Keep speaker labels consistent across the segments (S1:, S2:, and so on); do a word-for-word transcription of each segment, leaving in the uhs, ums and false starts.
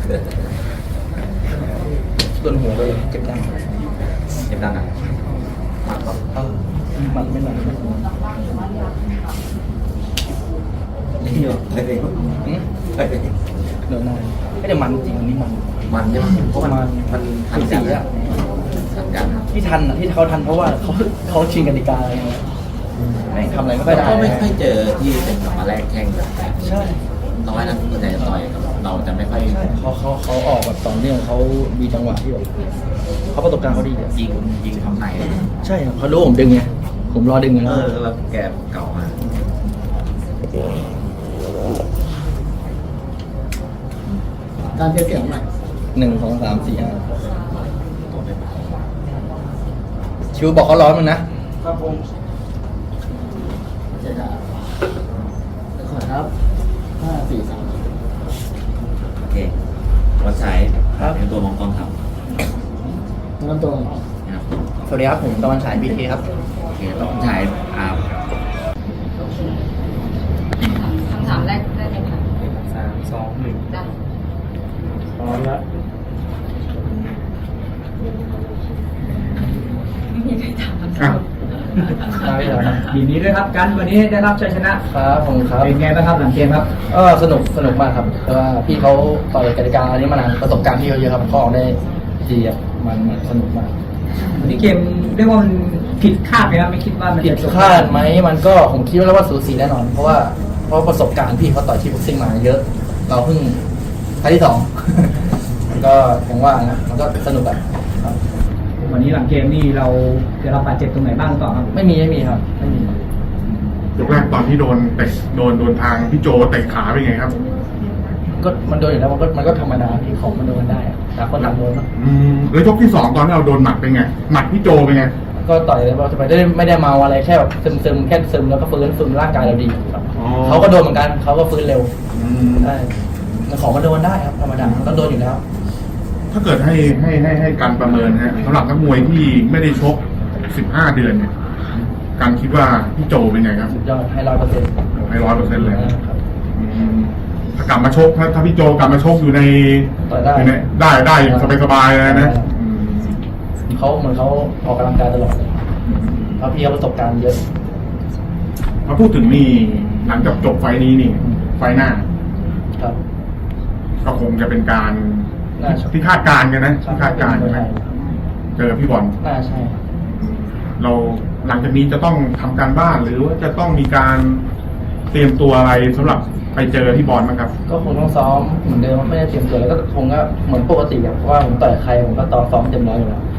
S1: โดนหัวเลยเจ็บดัง
S2: เจ็บดังอ่ะ
S1: เออมันไม่มัน
S2: นี่เหรอไปเลย
S1: อืม
S2: ไปเลย
S1: เดี๋ยวนานไม่ได้มันจริงอันนี้มัน
S2: มันใช่ไหมเพราะมันมันทัน
S1: สี
S2: กัน
S1: อ่ะ
S2: ทันกันครับ
S1: ที่ทันอ่ะที่เขาทันเพราะว่าเขาเขาชิงกติกาอะไรเงี้ยไม่ทำอะไรไม่ค่อย
S2: แล้ว
S1: ได้
S2: ก็ไม่ค่อยเจอที่เป็นกลับมาแรกแข่งแบบ
S1: ใช่
S2: น้อยนะส่วนใหญ่จะต่อยกับเราจะไม่ค่อย
S1: ใช่เขาเขาเขาออกแบบต่อเนื่องเขามีจังหวะที่แบบเขาประสบการณ์เขาดีอ่ะ
S2: ยิงยิงทำใน
S1: ใช่ครับเขารู้ผมดึงไงผมรอดึงไง
S2: เอ
S1: แล้ว
S2: อแล้วแกเก่ามาการเทียบเสียงใหม่
S1: หนึ่งสองสามสี่ห้า
S2: ตัวเป็น
S1: ชิวบอกเขาร้อนมึงนะ
S2: ครับผมเจ๊ดาขอครับห้าสี่สามโอเควันฉายเป็นตัวมองกล้องครับน้ำตัวนะครับ
S1: สวัสดีครับผมตะวันฉายบีเคครับ
S2: โอเคแล้ววันฉายอ่า
S3: คำถามแรกได้เลยค่ะ
S1: สามสองหนึ่ง
S3: ได้
S1: พร้อมแล้ว
S3: ไม่มีใครถามคำ
S4: อ่ะ
S3: ถาม
S1: ได้เลยครับ
S4: ยินดีด้วยครับกันวันนี้ได้รับชัยชนะครับ
S1: ผมครับ
S4: เป็นไงบ้างครับหลังเกมครับ
S1: เออสนุกสนุกมากครับเพราะว่าพี่เขาต่อยกติกาอันนี้มานานประสบการณ์พี่เขาเยอะครับเขาออกได้ดีครับมันมันสนุกมาก
S4: วันนี้เกมเรียกว่ามันผิดคาดไหมครับไม่คิดว่ามัน
S1: ผิด
S4: จะจบ
S1: คาดไหมมันก็ผมคิดว่าว่าสูสีแน่นอน เพราะว่าเพราะประสบการณ์พี่เขาต่อยที่บ็อกซิ่งมาเยอะ เราเพิ่งครั้งที่สอง มันก็อย่างว่านะมันก็สนุกอะครับ
S4: วันนี้หลังเกมนี่เราได้รับบาดเจ็บตรงไหนบ้างหรือเปล่าครับ
S1: ไม่มีไม่มีครับไม่มี
S4: อ
S5: ยกแรกตอนที่โดนเตะโดนโดนทางพี่โจเตะขาเป็นไงครับ
S1: ก็มันโดนอยู่แล้วมันก็มันก็ธรรมดาที่ของมันโดนได้อะแต่คนต่างโดนเนอะ
S5: อืมแล้วยกที่สองตอนที่เราโดนหมัดเป็นไงหมัดพี่โจเป็นไง
S1: ก็ต่อยเราจะไปได้ไม่ได้เมาอะไรแค่แบบซึมซึมๆแค่ซึมแล้วก็ฟื้นฟื้นร่างกายเราดีครับ
S5: อ๋อ
S1: เขาก็โดนเหมือนกันเขาก็ฟื้นเร็ว
S5: อืม
S1: ใช่มันของมันโดนได้ครับธรรมดามันต้องโดนอยู่แล้ว
S5: ถ้าเกิดให้ให้ให้ให้การประเมินนะฮะสำหรับนักมวยที่ไม่ได้ชกสิบห้าเดือนเนี่ยการคิดว่าพี่โจเป็นไงครับ
S1: สุดยอดให้ร้อยเปอร์เซ็นต์
S5: ให้ร้อยเปอร์เซ็นต์เลย
S1: ครับ
S5: อืมถ้ากลับมาชกถ้าถ้าพี่โจกลับมาชกอยู่ใน
S1: ต่อยได้
S5: อยู่ในได้ได้สบายสบายๆเลยนะอืม
S1: เขาเหมือนเขาออกกำลังกายตลอดเลยเพราะพี่เขาประสบการณ์เยอะ
S5: มาพูดถึงนี่หลังจากจบไฟล์นี้นี่ ไฟล์หน้า
S1: ครับ
S5: ก็คงจะเป็นการ
S1: น่าจะ
S5: ที่คาดการณ์กันนะที่คาดการณ์ใช่ไหมเจอพี่บอล
S1: น่าใช่ครับ
S5: เราหลังจากนี้จะต้องทำการบ้านหรือว่าจะต้องมีการเตรียมตัวอะไรสำหรับไปเจอพี่บอลมั้งครับ
S1: ก็คงต้องซ้อมเหมือนเดิมไม่ได้เตรียมตัวแล้วก็คงก็เหมือนปกติอะเพราะว่าผมต่อยใครผมก็ตอนซ้อมเต็มร้อยอยู่แล้ว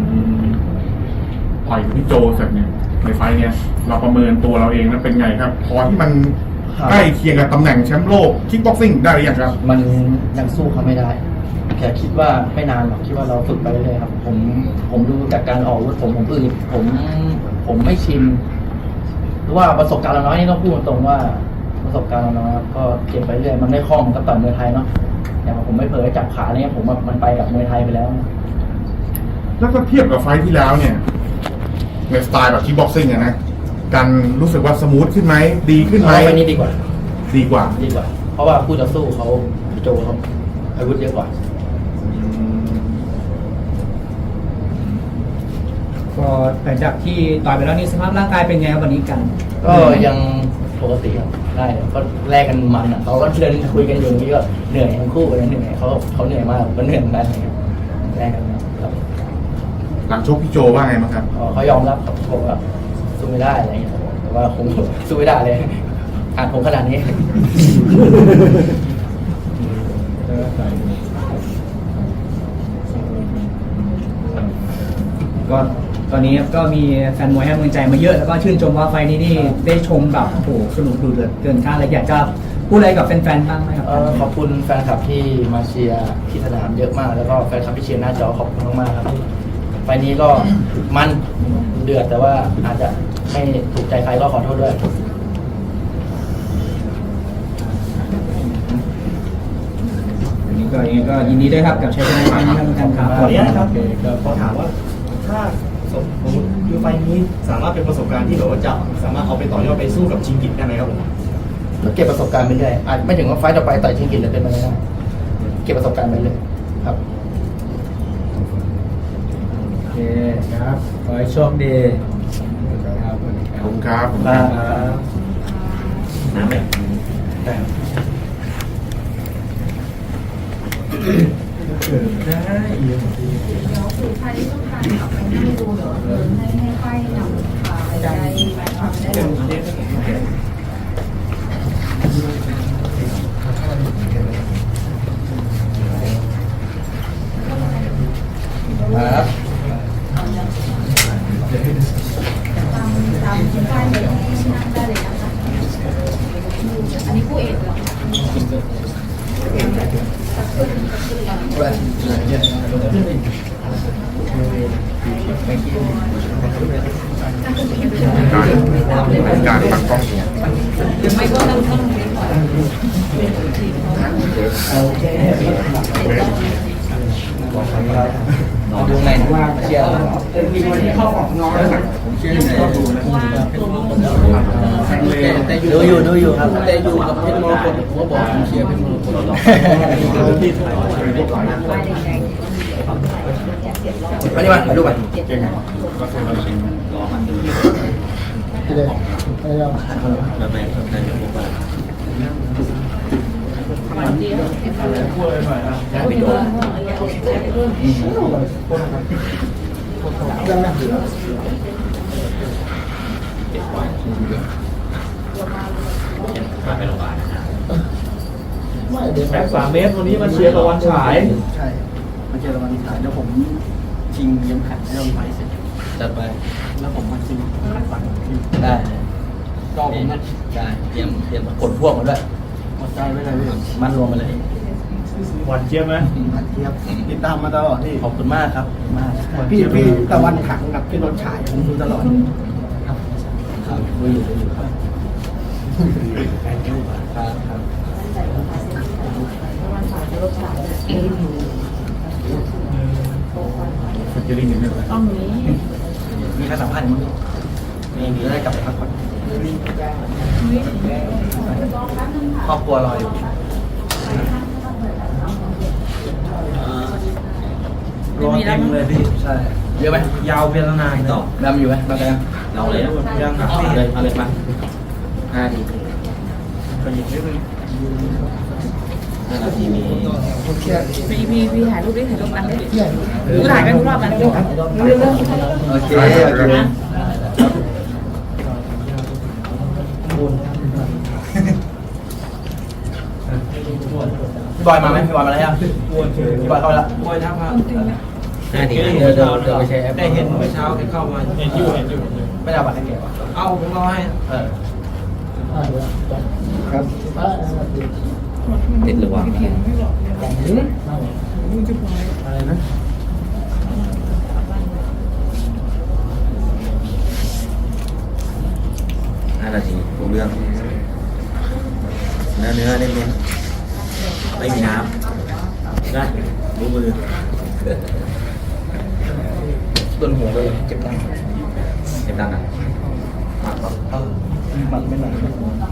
S5: ต่อยกับพี่โจเสร็จเนี่ยในไฟล์เนี่ยเราประเมินตัวเราเองแล้วเป็นไงครับ พอที่มันใกล้เคียงกับตำแหน่งแชมป์โลกคิกบ็อกซิ่งได้หรือยังครับ
S1: มันยังสู้เขาไม่ได้แค่คิดว่าไม่นานหรอกคิดว่าเราฝึกไปเรื่อยๆครับ ผมผมดูจากการออกอาวุธผมผมอึดผมผมไม่ชินหรือว่าประสบการณ์เราน้อยนี่ต้องพูดตรงๆว่าประสบการณ์เราน้อยครับก็เก็บไปเรื่อยมันไม่คล่องมันก็ต่อยมวยไทยเนาะอย่างผมไม่เผลอจับขาเนี่ยผมว่ามันไปกับมวยไทยไปแล้ว
S5: แล้วก็เทียบกับไฟล์ที่แล้วเนี่ยในสไตล์แบบคิกบ็อกซิ่งอะนะการรู้สึกว่าสมูทขึ้นไหมดีขึ้นไหม
S1: เอาไปนี่ดีกว่า
S5: ดีกว่า
S1: ดีกว่า เพราะว่าคู่ต่อสู้เขาโจเขาอาวุธเยอะกว่า
S4: ก็หลังจากที่ต่อยไปแล้วนี่สภาพร่างกายเป็นไงครับวันนี้กัน
S1: ก็ยังปกติครับได้ก็แลกกันมันอ่ะเขาก็เดินคุยกันอยู่นี่ก็เหนื่อยทั้งคู่กันเหนื่อยเขาเขาเหนื่อยมากผมก็เหนื่อยเหมือนกันแลกกันครับ
S5: หลังชกพี่โจว่าไงบ้างครับ
S1: อ๋อเขายอมรับครับบอกว่าสู้ไม่ได้อะไรอย่างเงี้ยแต่ว่าผมสู้ไม่ได้เลยอ่านผมขนาดนี้
S4: ก็ตอนนี้ก็มีแฟนมวยให้กำลังใจมาเยอะแล้วก็ชื่นชมว่าไฟล์นี้นี่ได้ชมแบบโอ้โหสนุกดูเดือดเกินคาดเลยอยากจะพูดอะไรกับแฟนๆบ้างไหมครับ
S1: เอ่อขอบคุณแฟนคลับที่มาเชียร์ที่สนามเยอะมากแล้วก็แฟนคลับที่เชียร์หน้าจอขอบคุณมากๆครับไฟล์นี้ก็มันเดือดแต่ว่าอาจจะไม่ถูกใจใครก็ขอโทษด้วย
S4: วันนี้ก็ยังไงก็ยินดีด้วยครับกับชัยชนะครั้งนี้ครับท่านครับ
S6: ขออนุญาตนะครับขอถามว่าถ้าสมมติคือไฟล์นี้สามารถเป็นประสบการณ์ที่แบบว่าจะสามารถเอาไปต่อยอดไปสู้กับชิงกิตได้ไหมครับผม
S1: ก็เก็บประสบการณ์ไปเรื่อยอาจไม่ถึงว่าไฟต์ต่อไปต่อยชิงกินเลยเป็นไปไม่ได้เก็บก็บประสบการณ์ไปเลยครับ
S4: โอเคครับขอให้โชคดีครับ
S5: ขอบคุณครับ
S1: ครับ
S2: น้ำแบบ
S4: ได้เยี่ยมดี
S3: เดี๋ยวคือใครที่ต้องการกลับไปนั่งดูเดี๋ยวเดินให้ให้ไปนำพาไปได้ไปทำได้เลย
S1: ครับ
S3: ตามตามคุณป้ายเลยให้นั่งได้เลยนะคะอันนี้ผู้เอกเหรอ
S5: การการตั้งกล้อง
S3: หรือไม่ก็นั่งนั่งเฉย
S1: โอเคดูไงว่าเชียร์ดูอยู่ดูอยู่ครับแต่อยู่กับเพชรมรกตผมก็บอกผมเชียร์เพชรมรกตมาดิมาถ่ายรูปไป
S5: เก่งก็คือเราชิง
S2: รอมันดูแล้วแม่ทำได้ยังไงบ้างไปโดนมาไปโรงพยาบาลนะครับ
S6: แม็กสามเมตรวันนี้มาเชียร์ตะวันฉาย
S1: ใช่มาเจอกันวันถ่ายแล้วผมชิงเยี่ยมขัดให้เราไปเสร็จจัดไปแล้วผมมาชิงขัดฝันได้ก็ผมได้เตรียมเตรียมกดพวกมาด้วยหมดใจไว้เลยพี่มันรวมมาเลย
S6: หวานเจี๊ยบไหม
S1: มันเทียบติดตามมาตลอดที่ขอบคุณมากครับมากพี่พี่ตะวันขังกับพี่รถฉายผมดูตลอดครับครับดูอยู่ดูอยู่ครับครับครับ
S5: ฟิชเจอริ่งนิดนึง
S3: ต้องนี้
S1: มีใครสัมภาษณ์มั้งมีมีได้กลับไปพักผ่อนครอบครัวรออยู่รอเต็มเลยพี่ใช่เยอะไหมยาวเป็นนานต่อดำอยู่ไหมดำยัง
S2: เราเลยยังเอาเลยเอาเลยมาห้าที
S1: ไปหยิบนิดนึง
S2: ห้านาทีมี
S3: พี่พี่พี่ถ่ายรูปได้ถ่ายรูปกันได้ดูถ่ายกันทุกรอบกันเรื่องเรื่อง
S1: โอเคโอเคพี่บอยมาไหมพี่บอยมาแล้วยังพี่บอยเข้ามาแล้ว
S2: ห้าที
S1: เดี๋ยวเดี๋ยวเดี๋ยวไปใช้แอป
S7: ได้เห็นเมื่อเช้าที่เข้ามาเห็นอยู่เห็นอยู่
S1: ไม่ได้เอาบัตรให้แกวะ
S7: เอาผมเอาให้
S1: เออครับ
S2: ติดหรือวะ
S1: อะไรนะ
S2: ห้านาทีรู้เรื่องเนื้อเนื้อเน้นๆไม่มีน้ำได้รู้มือ
S1: ต้นหัวเลยเจ็บดัง
S2: เจ็บดังอ่ะ
S1: เออมันไม่หนัก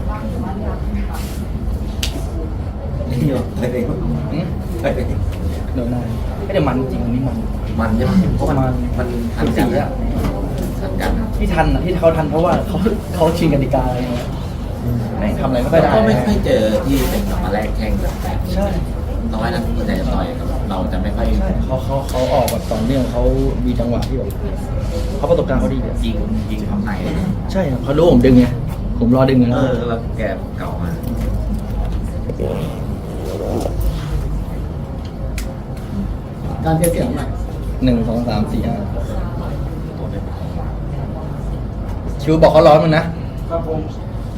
S2: นี่เหรอไปเอง
S1: อืมเฮ้ยเดี๋ยวนายไม่ได้มันจริงอันนี้มัน
S2: มันใช่ไหมเพราะมันมันทันกันอะทันกันอะ
S1: ที่ทันอ่ะที่เขาทันเพราะว่าเขาเขาชิงกติกาอะไรเงี้ยไม่ทำอะไรไม่ค่อยได้
S2: ก็ไม่ค่อยเจอที่เป็นกลับมาแรกแข่งแบบแบบ
S1: ใช่
S2: น้อยนะส่วนใหญ่จะต่อยกับเราจะไม่ค่อย
S1: ใช่เขาเขาเขาออกแบบต่อเนื่องเขามีจังหวะที่แบบเขาประสบการณ์เขาดีอะ
S2: ยิงยิงทำไหน
S1: ใช่ครับเขารู้ผมดึงไงผมรอดึงไง
S2: เอ
S1: แล้ว
S2: อแล้วแกเก่ามา
S1: การเทียบเสียงใหม่หนึ่งสองสามสี่ห้าชิวบอกเขาร้อนมันนะครับ
S7: ผม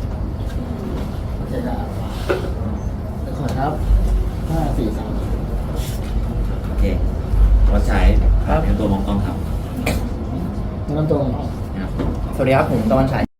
S1: ขอครับห้าสี่สาม
S2: โอเควัดใช้เป็นตัวมองกล้องครับ
S1: น้ำตัว
S2: นะครับ
S1: สวัสดีครับผมตะวันฉาย